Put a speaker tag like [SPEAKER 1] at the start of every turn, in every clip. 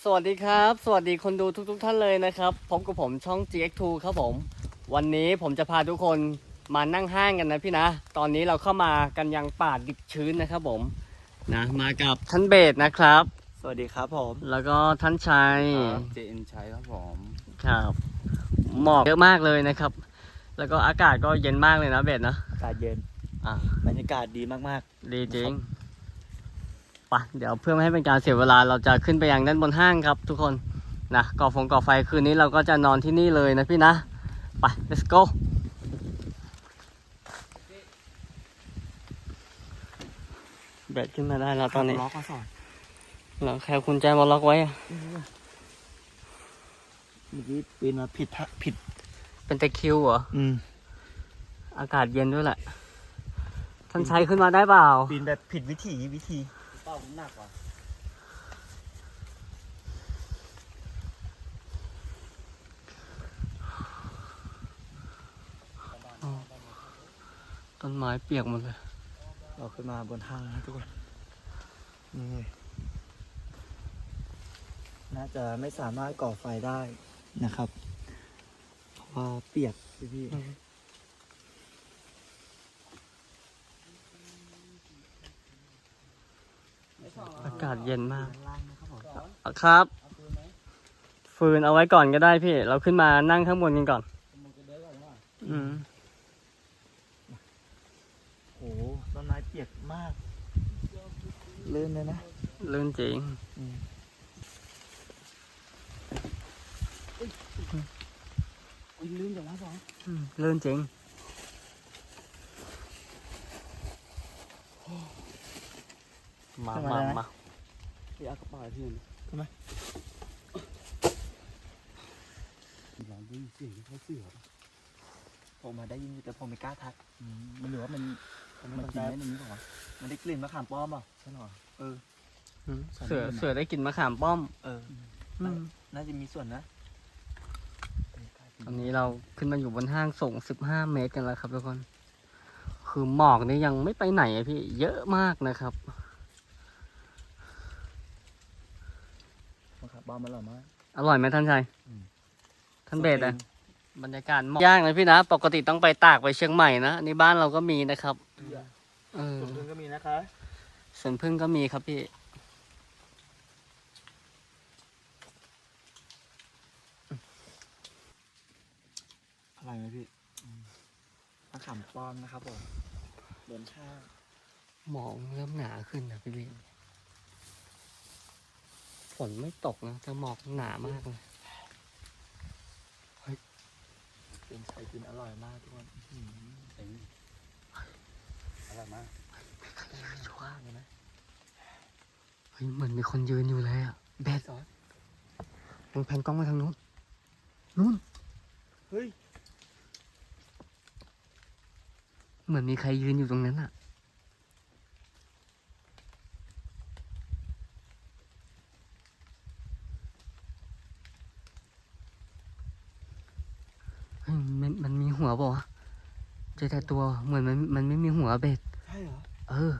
[SPEAKER 1] สวัสดีครับ สวัสดีคนดูทุกท่านเลยนะครับพบกับผมช่อง GX2 ครับผมวันนี้ผมจะพาทุกคนมานั่งห้างกันนะพี่นะตอนนี้เราเข้ามากันยังป่าดิบชื้นนะครับผมนะมากับท่านเบสนะครับ
[SPEAKER 2] สวัสดีครับผม
[SPEAKER 1] แล้วก็ท่านชัย
[SPEAKER 3] ครับเจนชัยครับผม
[SPEAKER 1] ครับหมอกเยอะมากเลยนะครับแล้วก็อากาศก็เย็นมากเลยนะเบสนะ
[SPEAKER 2] อากาศเย็น บรรยากาศดีมาก
[SPEAKER 1] ดีจริงไปเดี๋ยวเพื่อไม่ให้เป็นการเสียเวลาเราจะขึ้นไปยังด้านบนห้างครับทุกคนนะก่อไฟคืนนี้เราก็จะนอนที่นี่เลยนะพี่นะไป let's go แบตขึ้นมาได้แล้ว
[SPEAKER 2] ๆ
[SPEAKER 1] ตอนนี้
[SPEAKER 2] ล็อกมาสอน
[SPEAKER 1] แล้วแค่คุณแจมาล็อกไว้อะ
[SPEAKER 2] เมื่อกี้ปีนมาผิดผิด
[SPEAKER 1] เป็นตะคริวเหรอ อากาศเย็นด้วยแหละ ท่านชัยขึ้นมาได้เปล่า
[SPEAKER 2] ปีนแบบผิดวิธีเป้าหนักกว่า
[SPEAKER 1] ต้นไม้เปียกหมดเลย
[SPEAKER 2] เราขึ้นมาบนห้างนะทุกคนนี่น่าจะไม่สามารถก่อไฟได้นะครับเพราะว่าเปียกพี่
[SPEAKER 1] อากาศเย็นมาก
[SPEAKER 2] ล่างนะครับผม
[SPEAKER 1] ครับ ฟืนเอาไว้ก่อนก็ได้พี่ เราขึ้นมานั่งข้างบนกันก่อน อืม
[SPEAKER 2] โอ้โหต้นไม้เปียกมากลื่นเลยนะ
[SPEAKER 1] ลื่นจริง
[SPEAKER 2] ลื่นอย่างนั้นสอง
[SPEAKER 1] ลื่นจริง มา
[SPEAKER 3] พี่เอากระเป๋าที่นี่
[SPEAKER 2] ทำไม
[SPEAKER 3] หลังได้ยินเสียงเขาเสือ
[SPEAKER 2] ผมมาได้ยินอยู่แต่ผมไม่กล้าทักมันหรือว่ามันกินได้ในนี้ป่าวะมันได้กลิ่นมะขามป้อมป่ะใช่หรอเออ
[SPEAKER 1] เสือได้กลินมะขามป้อม
[SPEAKER 2] เออ
[SPEAKER 1] อืม
[SPEAKER 2] น่าจะมีส่วนนะ
[SPEAKER 1] ตอนนี้เราขึ้นมาอยู่บนห้างสูง15 เมตรกันแล้วครับทุกคน คือหมอกนี่ยังไม่ไปไหนอะพี่ เยอะมากนะครับ
[SPEAKER 2] มะขามป้อมมันอร่อยมาก
[SPEAKER 1] อร่อยไหมท่านชัย
[SPEAKER 2] อืม
[SPEAKER 1] ท่านเบสอะบรรยากาศหมอกย่างเลยพี่นะ ปกติต้องไปตากไปเชียงใหม่นะในบ้านเราก็มีนะครับเออ
[SPEAKER 2] ส่วนพึ่งก็มีนะคะ
[SPEAKER 1] สวนพึ่งก็มีครับพี่
[SPEAKER 2] อะไรไหมพี่มะขามป้อมนะครับผมบนข้าง
[SPEAKER 1] หมอกเริ่มหนาขึ้นนะพี่พี่ฝนไม่ตกนะแต่หมอกหนามากเลย
[SPEAKER 2] เป็นไข่กินอร่อยมากทุกคน
[SPEAKER 3] เองอะไรมาก
[SPEAKER 2] ชัวร์เลยนะ
[SPEAKER 1] เฮ้ยเหมือนมีคนยืนอยู่เลยอะเบสมึงแพนกล้องมาทางนู้นนู้น
[SPEAKER 2] เฮ้ย
[SPEAKER 1] เหมือนมีใครยืนอยู่ตรงนั้นอะเฮ้ยมันมีหัวเปล่าวะเจอแต่ตัวเหมือนมันไม่มีหัวเบส
[SPEAKER 2] ใช่เหรอ
[SPEAKER 1] เออ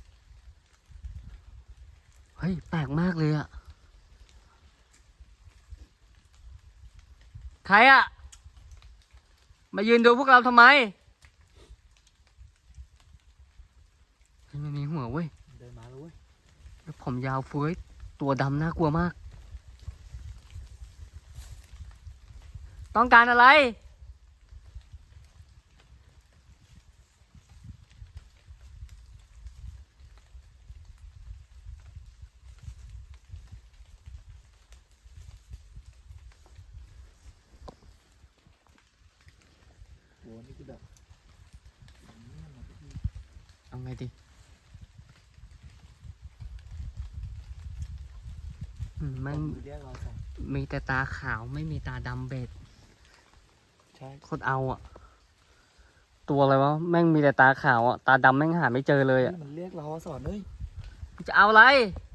[SPEAKER 1] เฮ้ย แปลกมากเลยอะใครอะมายืนดูพวกเราทำไมเฮ้ยมันมีหัวเว้ย
[SPEAKER 2] เดินมาแล้วเว้ย
[SPEAKER 1] แล้วผมยาวเฟ้ยตัวดำน่ากลัวมาก ต้องการอะไร
[SPEAKER 2] โหนี่คือแบบ
[SPEAKER 1] เอาไงดีมัน
[SPEAKER 2] เรียกเราสอง
[SPEAKER 1] มีแต่ตาขาวไม่มีตาดำเบ็ด
[SPEAKER 2] ใช่
[SPEAKER 1] โคตรเอาอะตัวอะไรวะ แม่งมีแต่ตาขาวอะตาดำแม่งหาไม่เจอเลยอะ
[SPEAKER 2] มันเรียกเราสอนเลย
[SPEAKER 1] จะเอาอะไร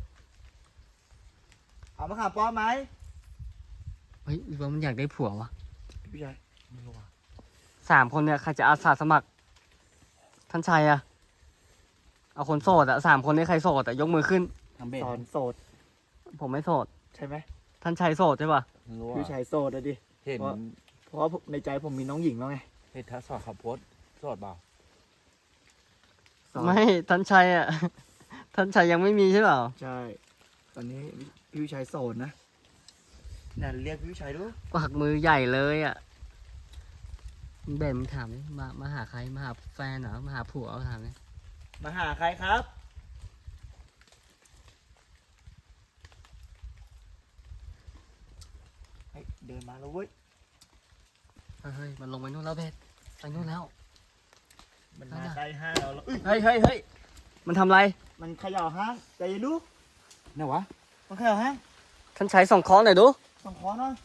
[SPEAKER 2] เอามะขามป้อมไหม
[SPEAKER 1] เฮ้ยว่ามันอยากได้ผัววะ
[SPEAKER 2] พี่ชายไม่รู้ว่ะ
[SPEAKER 1] 3 คนเนี่ยใครจะอาสาสมัคร ท่านชัยอะเอาคนโสดอะ3 คนนี้ใครโสดอะยกมือขึ้น
[SPEAKER 3] ทำเบ็ด
[SPEAKER 2] สอนโสด
[SPEAKER 1] ผมไม่โสด
[SPEAKER 2] ใช่ไหม
[SPEAKER 1] ท่านชายโสดใช่ป่ะ
[SPEAKER 3] รู้
[SPEAKER 2] พี่
[SPEAKER 3] ว่า
[SPEAKER 2] ชายโสดอะดิ
[SPEAKER 3] เห็น
[SPEAKER 2] เพราะในใจผมมีน้องหญิงแล้วไง
[SPEAKER 3] เห็นทัศน์ขับโพสสอดเปล่า
[SPEAKER 2] สอน
[SPEAKER 1] ไม่ท่านชายอ่ะ ท่านชายยังไม่มีใช่เปล่า
[SPEAKER 2] ใช่ ตอนนี้พี่ชายโสดนะนั่นเรียกพี่ชายดู
[SPEAKER 1] กวักมือใหญ่เลยอ่ะเบนมึงถามดิมาหาใครมาหาแฟนเหรอมาหาผัวเอาถามดิ
[SPEAKER 2] มาหาใครครับเฮ้ยเดินมาแล้วเว้ย
[SPEAKER 1] เฮ้ยมันลงไปนู่นแล้วเบนไปนู่นแล้ว
[SPEAKER 2] มันมาใกล้ห้างเราแล้ว
[SPEAKER 1] เฮ้ยเฮ้ยเฮ้ยมันทำไร
[SPEAKER 2] มันเขย่าห้างใจเย็นดู
[SPEAKER 3] ไหนวะ
[SPEAKER 2] มันเขย่าห้าง
[SPEAKER 1] ท่านชายส่องเคอหน่อยดู
[SPEAKER 2] ต้องขอหน่อย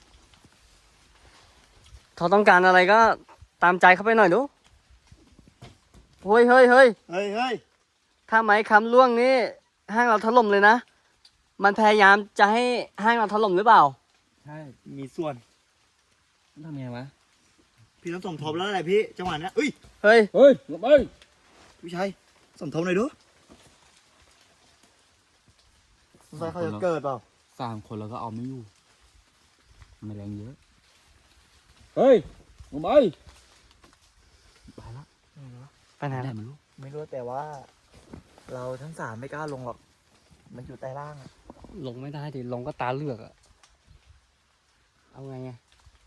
[SPEAKER 1] เขาต้องการอะไรก็ตามใจเขาไปหน่อยดูเฮ้ยเฮ้ยเฮ้ย
[SPEAKER 2] เฮ้ยเฮ้ย
[SPEAKER 1] ถ้าไม้คำล่วงนี่ห้างเราถล่มเลยนะ มันพยายามจะให้ห้างเราถล่มหรือเปล่า
[SPEAKER 3] ใช่
[SPEAKER 2] มีส่วน
[SPEAKER 3] ทำยังไงวะ
[SPEAKER 2] พี่ต้องสมทบแล้วแหละพี่จังหวะนี้อุ้ย
[SPEAKER 1] เฮ้ย
[SPEAKER 3] เฮ้ยลงไป
[SPEAKER 2] พี่ชายสมทบหน่อยดูสงสัยเขาจะเกิดเปล่า
[SPEAKER 3] 3 คนแล้วก็เอาไม่อยู่มันแรงเยอะเฮ้ยลงไปไปละ
[SPEAKER 1] ไปไหน
[SPEAKER 3] ไหน
[SPEAKER 1] ล่ะ
[SPEAKER 3] มันรู้
[SPEAKER 2] ไม่รู้แต่ว่า เราทั้งสามไม่กล้าลงหรอก มันอยู่ใต้ล่างอะ
[SPEAKER 1] ลงไม่ได้ดิลงก็ตาเลือกอะเอาไงอะ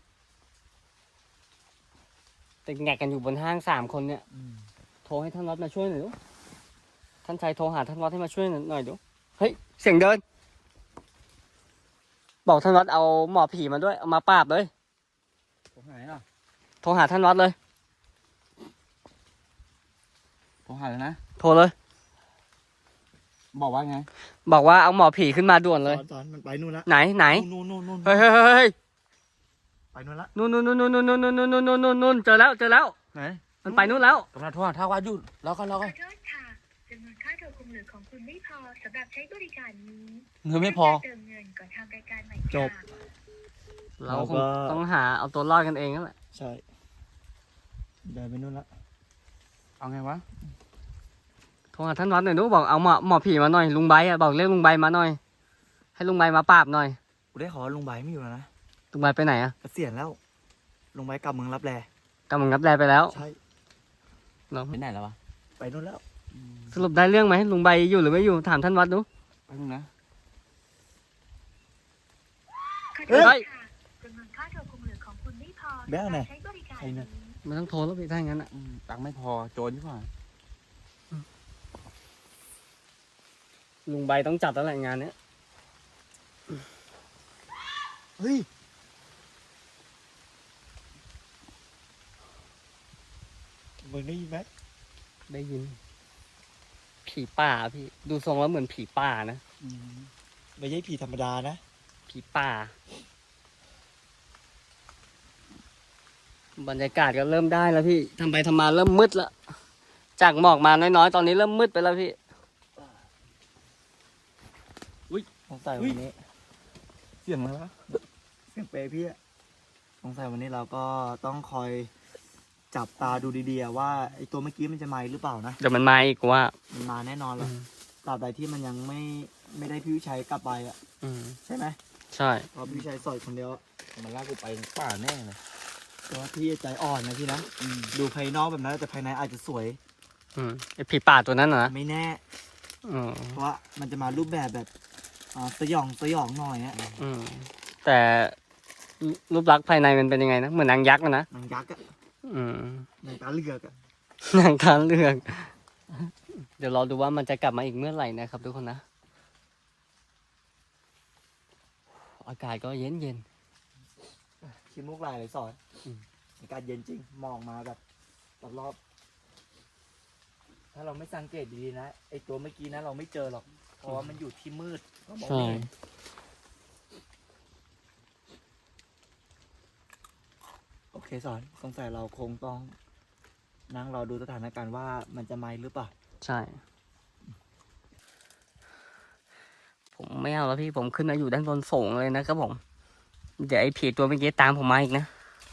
[SPEAKER 1] ติดแงกกันอยู่บนห้าง3 คนเนี่ย โทรให้ท่านวัดมาช่วยหน่อยดูท่านชายโทรหาท่านวัดให้มาช่วยหน่อยดูเฮ้ยเสียงเดิน บอกท่านวัดเอาหมอผีมาด้วยเอามาปราบเลย
[SPEAKER 3] ตรงไหนอ่ะ
[SPEAKER 1] โทรหาท่านวัดเลย
[SPEAKER 3] ตรงหาเลยนะ
[SPEAKER 1] โทรเลย
[SPEAKER 3] บอกว่าไง
[SPEAKER 1] บอกว่าเอาหมอผีขึ้นมาด่วนเลย
[SPEAKER 2] สอนมันไปนู่นละ
[SPEAKER 1] ไหนไหน
[SPEAKER 2] นู่น
[SPEAKER 1] เฮ้ยเฮ้ยเฮ้ย
[SPEAKER 2] ไปนู่นละ
[SPEAKER 1] นู่นนู่นนู่นนู่นนู่นนู่นนู่นนู่นนู่นนู่นเจอแล้วเจอแล้ว
[SPEAKER 3] ไหน
[SPEAKER 1] มันไปนู่นแล้ว
[SPEAKER 3] กำลังโทรหาท่าว่าหยุดแล้วก็
[SPEAKER 4] ขอโทษค่ะจำนวนค่าโทรคงเหลือของคุณไม่พอสำหรับใช้บริการนี้
[SPEAKER 3] เงินไม่พอ
[SPEAKER 4] เติมเงินก่อนทำรายการใหม่
[SPEAKER 2] จบ
[SPEAKER 4] ค่ะ
[SPEAKER 1] เราคงต้องหาเอาตัวรอดกันเองนั่นแหละ
[SPEAKER 2] ใช่ เดินไปนู่นละ
[SPEAKER 3] เอาไงวะ
[SPEAKER 1] โทรหาท่านวัดหน่อยดูบอกเอาหมอผีมาหน่อยลุงใบอะบอกเรียกลุงใบมาหน่อย ให้ลุงใบมาปราบหน่อย
[SPEAKER 2] กูได้ขอลุงใบไม่อยู่แล้วนะ
[SPEAKER 1] ลุงใบไปไหนอะ
[SPEAKER 2] เกษียณแล้ว ลุงใบกลับเมืองรับแล
[SPEAKER 1] กำลังรับแลไปแล้ว
[SPEAKER 2] ใช่
[SPEAKER 1] เนาะ
[SPEAKER 3] ไปไหนแล้ววะ
[SPEAKER 2] ไปนู่นแล้ว
[SPEAKER 1] สรุปได้เรื่องไหมลุงใบอยู่หรือไม่อยู่ถามท่านวัดดู
[SPEAKER 3] ไปตรงนะ
[SPEAKER 4] ขอโท
[SPEAKER 1] เฮ้
[SPEAKER 4] ษ
[SPEAKER 1] ย
[SPEAKER 4] ค่ะจำนวนค่าโทรคงเหลือของคุณไม่พอ
[SPEAKER 2] แบงค์ไหน
[SPEAKER 4] ใช้บริการ
[SPEAKER 2] ใครเนี่ย
[SPEAKER 4] นี้
[SPEAKER 1] มันต้องโทรแล้วไปถ้าอย่างนั้นอะ
[SPEAKER 3] ตังค์ไม่พอโจรดีกว่า
[SPEAKER 1] ลุงใบต้องจัดแล้วแหละงานเนี้ย
[SPEAKER 2] เฮ้ย มึงได้ยินไหม
[SPEAKER 1] ได้ยิน ผีป่าพี่ดูทรงแล้วเหมือนผีป่านะ
[SPEAKER 2] ไม่ใช่ผีธรรมดานะ
[SPEAKER 1] ผีป่า บรรยากาศก็เริ่มได้แล้วพี่ทำไปทำมาเริ่มมืดแล้วจากหมอกมาน้อยๆตอนนี้เริ่มมืดไปแล้วพี่
[SPEAKER 2] สงสัยวันนี้
[SPEAKER 3] เสียงอะไรวะ
[SPEAKER 2] เสียงเปรย์พี่อะสงสัยวันนี้เราก็ต้องคอยจับตาดูดีๆอะว่าไอตัวเมื่อกี้มันจะมาอีกหรือเปล่านะ
[SPEAKER 1] เดี๋ยวมันมาอีกว่า
[SPEAKER 2] มันมาแน่นอนแหละตราบใดที่มันยังไม่ได้พี่วิชัยกลับไปอะ
[SPEAKER 1] อืม
[SPEAKER 2] ใช่ไหม
[SPEAKER 1] ใช่
[SPEAKER 2] เพราะพี่วิชัยสอยคนเดียวอะ
[SPEAKER 3] มันลากกูไปป่าแน่เลย
[SPEAKER 2] แต่ว่าพี่ใจอ่อนนะพี่นะดูภายนอกแบบนั้นแต่ภายในอาจจะสวย
[SPEAKER 1] อืมไอผีป่าตัวนั้นน่ะนะ
[SPEAKER 2] ไม่แน่
[SPEAKER 1] อืม
[SPEAKER 2] เพราะว่ามันจะมารูปแบบแบบสยองหน่อยอะ
[SPEAKER 1] อืมแต่รูปลักษณ์ภายในมันเป็นยังไงนะเหมือนนางยักษ์อะนะ
[SPEAKER 2] นางยักษ์อะ
[SPEAKER 1] อืม
[SPEAKER 2] นางตาเลือกอะ
[SPEAKER 1] นางทานเลือก เดี๋ยวรอดูว่ามันจะกลับมาอีกเมื่อไหร่นะครับทุกคนนะอากาศก็เย็นเย็น
[SPEAKER 2] ขี้มูกลายเลยสอน
[SPEAKER 1] อืม
[SPEAKER 2] อากาศเย็นจริงมองมาแบบรอบๆถ้าเราไม่สังเกตดีๆนะไอตัวเมื่อกี้นะเราไม่เจอหรอกเพราะว่ามันอยู่ที่มืดเรามอง
[SPEAKER 1] ใช่
[SPEAKER 2] ไม่เห็นโอเคสอนสงสัยเราคงต้องนั่งรอดูสถานการณ์ว่ามันจะมาหรือเปล่า
[SPEAKER 1] ใช่ ผมไม่เอาแล้วพี่ผมขึ้นมาอยู่ด้านบนสูงเลยนะครับผมเดี๋ยวไอ้ผีตัวเมื่อกี้ตามผมมาอีกนะ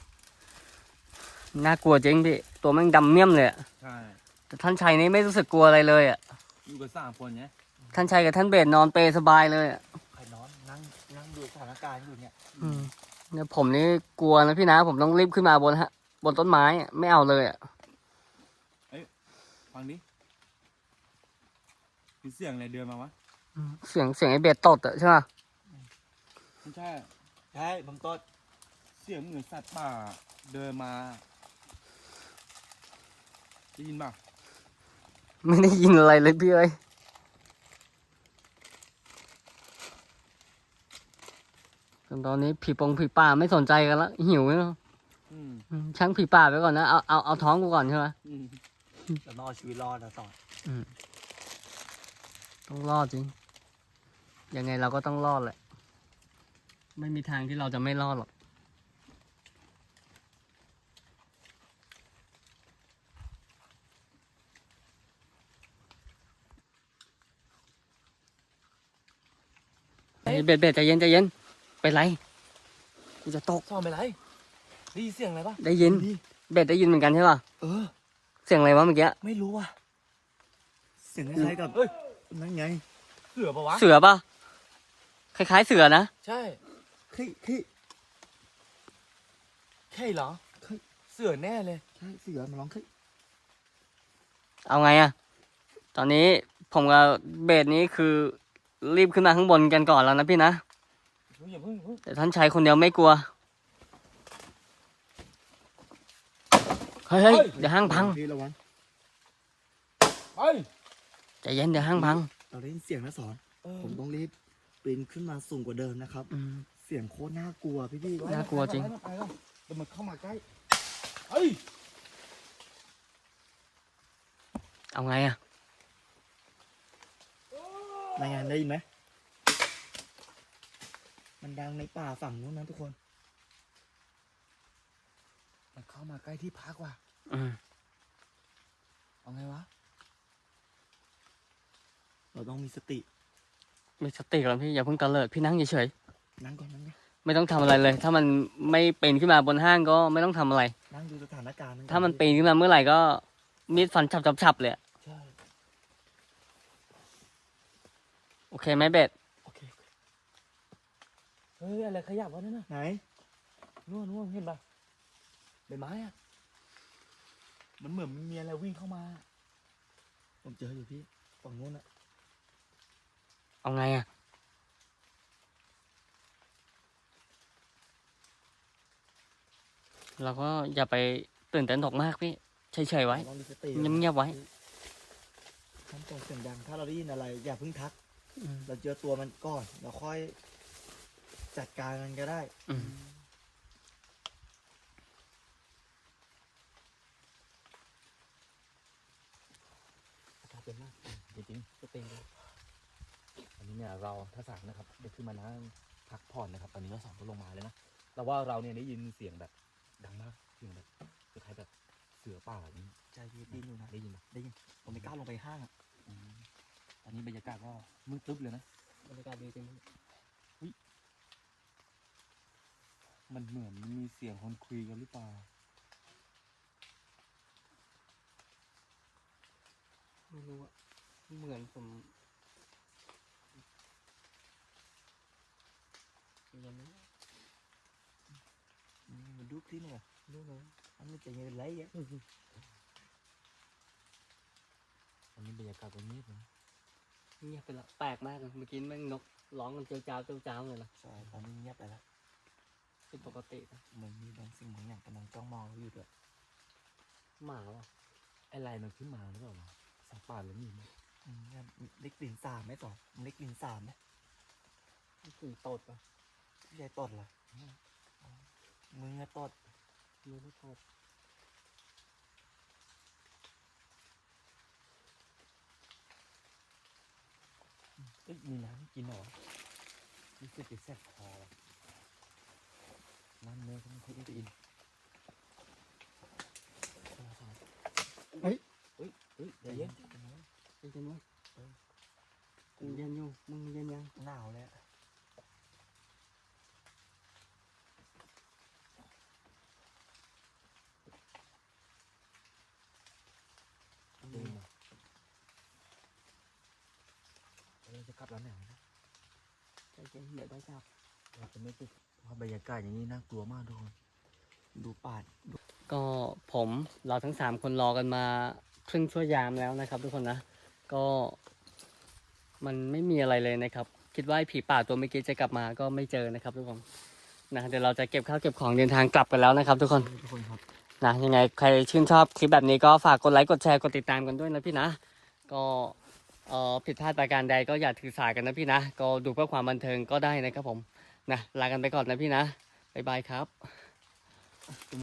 [SPEAKER 1] น่ากลัวจริงพี่ตัวแม่งดำเมี่ยมเลยอะ
[SPEAKER 3] ใช่
[SPEAKER 1] แต่ท่านชัยนี่ไม่รู้สึกกลัวอะไรเลยอ่ะ
[SPEAKER 3] อยู่กับ3 คนเนี้ย
[SPEAKER 1] ท่านชัยกับท่านเบสนอนเปรย์สบายเลยอ่ะ
[SPEAKER 2] ใครนอนนั่งดูดูสถานการณ์อยู่เนี่ย
[SPEAKER 1] เนี่ยผมนี่กลัวนะพี่นะ ผมต้องรีบขึ้นมาบนต้นไม้อะไม่เอาเลยอ่ะ
[SPEAKER 3] ฟังดิมีเสียงอะไรเดินมาวะ
[SPEAKER 1] เสียงไอ้เบสตดอะใช่ป่ะ
[SPEAKER 3] ไม่ใช่
[SPEAKER 2] ใช่บางต้น
[SPEAKER 3] เสียงเหมือนสัตว์ป่าเดินมาได้ยินป่ะ
[SPEAKER 1] ไม่ได้ยินอะไรเลยพี่เอ้ยตอนนี้ผีป่าไม่สนใจกันละหิวเนาะ
[SPEAKER 3] อืม
[SPEAKER 1] ช่างผีป่าไปก่อนนะเอาท้องกูก่อนใช่ไหม
[SPEAKER 3] อืม
[SPEAKER 2] จะรอดชีวิตรอดนะสอน
[SPEAKER 1] ต้องรอดจริงยังไงเราก็ต้องรอดแหละ ไม่มีทางที่เราจะไม่รอดหรอกเบ็ดใจเย็นใจเย็นไปนไรกูจะตก
[SPEAKER 2] สอนไปไรได้ยินเสียงอะไรปะ
[SPEAKER 1] ได้ยิน เบ็ดได้ยินเหมือนกันใช่ป่ะ
[SPEAKER 2] เออ
[SPEAKER 1] เสียงอะไรวะเมื่อกี้
[SPEAKER 2] ไม่รู้ว่ะเสียงคล้ายๆกับนั่นไงเสือปะวะ
[SPEAKER 1] เสือป่ะคล้ายๆเสือนะ
[SPEAKER 2] ใช่ใช่เหรอเสือแน่เลยใช่เสือมันร้อง
[SPEAKER 1] เอาไงอะตอนนี้ผมกับเบสนี้คือรีบขึ้นมาข้างบนกันก่อนแล้วนะพี่นะ
[SPEAKER 2] อย่าเพิ่ง
[SPEAKER 1] แต่ท่านชายคนเดียวไม่กลัว เฮ้ยเดี๋ยวห้างพัง
[SPEAKER 2] พี่ระวัง
[SPEAKER 3] ไป
[SPEAKER 1] ใจเย็นเดี๋ยวห้างพัง
[SPEAKER 2] เราได้ยินเสียงนะสอนผมต้องรีบปีนขึ้นมาสูงกว่าเดิมนะครับ เสียงโคตรน่ากลัวพี่
[SPEAKER 1] น่ากลัวจริง
[SPEAKER 3] ไปแล้วเดี๋ยวมันเข้ามาใกล้เฮ้ย
[SPEAKER 1] เอาไงอะ
[SPEAKER 2] รายงานได้ยินไหมมันดังในป่าฝั่งนู้นนะทุกคน
[SPEAKER 3] มันเข้ามาใกล้ที่พักว่ะ
[SPEAKER 2] เอาไงวะเราต้องมีสติ
[SPEAKER 1] มีสติก่อนพี่อย่าเพิ่งตะเลิดพี่นั่งเฉย
[SPEAKER 2] นั่งก่อน
[SPEAKER 1] ๆไม่ต้องทำอะไรเลย ถ้ามันไม่ปีนขึ้นมาบนห้างก็ไม่ต้องทำอะไร
[SPEAKER 2] นั่งดูสถานการณ์ก่อ
[SPEAKER 1] ถ้ามันปีนขึ้นมาเมื่อไหร่ก็มีดฟันฉับเลยอะ
[SPEAKER 2] ใช่
[SPEAKER 1] โอเคไหมเบส
[SPEAKER 2] โอเคเฮ้ยอะไรขยับวะนั่นน่ะไหนนู่นเห็นปะใบไม้อะมันเหมือนมีอะไรวิ่งเข้ามาผมเจออยู่พี่ฝั่งนู้นอะ
[SPEAKER 1] เอาไงอะเราก็อย่าไปตื่นเต้นตกมากพี่เฉยๆไว้
[SPEAKER 2] ลองมีสติ
[SPEAKER 1] เงียบๆไว้
[SPEAKER 2] ทำตัวเสียงดังถ้าเราได้ยินอะไรอย่าเพิ่งทัก เราเจอตัวมันก่อนเราค่อยจัดการมันก็ได้
[SPEAKER 3] อากาศเย็นมากจริงๆก็เต็มเลยอันนี้เนี่ยเราถ้าสั่งนะครับเดี๋ยวขึ้นมานั่งพักผ่อนนะครับ ตอนนี้เราสองก็ลงมาแล้วนะแต่ว่าเราเนี่ยได้ยินเสียงแบบดังมากเสียงแบบคล้ายๆแบบเสือป่าอย่างนี้
[SPEAKER 2] ใจเย็นอยู่นะ
[SPEAKER 3] ได้ยินปะ
[SPEAKER 2] ได้ยินผมไม่กล้าลงไปห้างอะ
[SPEAKER 3] ตอนนี้บรรยากาศก็มืดตึ๊บเลยนะ
[SPEAKER 1] บรรยากาศดีจริง
[SPEAKER 3] มันเหมือนมีเสียงคนคุยกันหรือเปล่า
[SPEAKER 1] ไม่รู้อะเหมือนผมยังไม่
[SPEAKER 2] มันดูคลิปเนี่ยดูเลยอันนี้จะยังเป็นไรอ่ะ
[SPEAKER 3] ตอนนี้บรรยากาศก็เงียบนะ
[SPEAKER 1] เงียบไปละแปลกมากเลยเมื่อกี้แม่งนกร้องกันเจียวจ้าวเลยนะ
[SPEAKER 2] ใช่ตอนนี้เงียบไปแล้ว
[SPEAKER 1] เป็นปกตินะ
[SPEAKER 2] เหมือนมีบางสิ่งบางอย่างกำลังจ้องมองเราอยู่ด้วย
[SPEAKER 1] หมาวะ
[SPEAKER 3] ไอ้ลายมันขึ้นมาหรือเปล่าวะสัตว์ป่าหรือมีมั้ย
[SPEAKER 2] เนี่ยเล็กกลิ่นสาบไหมต่อเล็กกลิ่นสาบไหม
[SPEAKER 1] กลิ่นตดปะ
[SPEAKER 2] พี่ชายตดเหรอมึงอะตด
[SPEAKER 1] ไม่รู้ตด
[SPEAKER 3] เอ้ยมีน้ำให้กินเหรอรู้สึกจะแซ่บคอว่ะน้ำเนื้อก็ไม่ค่อยได้กินเฮ้ยเดี๋ยวเย็น
[SPEAKER 1] เย็นมั้ยมึงเย็นอยู่มึงเย็นยัง
[SPEAKER 2] หนาวเลยอะ
[SPEAKER 3] เดินมาเราจะกลับแล้วไหนนะ
[SPEAKER 1] ใจเย็นเดี๋ยวได้จับ
[SPEAKER 3] เราเราจะไม่ติดเพราะบรรยากาศอย่างนี้น่ากลัวมากทุกคนดูป่า
[SPEAKER 1] ก็เราทั้ง3คนรอกันมาครึ่งชั่วยามแล้วนะครับ ทุกคนนะก็มันไม่มีอะไรเลยนะครับ คิดว่าไอ้ผีป่าตัวเมื่อกี้จะกลับมาก็ไม่เจอนะครับทุกคนนะเดี๋ยวเราจะเก็บข้าวเก็บของเดินทางกลับกันแล้วนะครับ ทุกคน
[SPEAKER 3] ทุกคนครับ
[SPEAKER 1] นะยังไงใครชื่นชอบคลิปแบบนี้ก็ฝากกดไลค์กดแชร์กดติดตามกันด้วยนะพี่นะก็ผิดพลาดประการใดก็อย่าถือสากันนะพี่นะก็ดูเพื่อความบันเทิงก็ได้นะครับผมนะลากันไปก่อนนะพี่นะบ๊ายบายครับ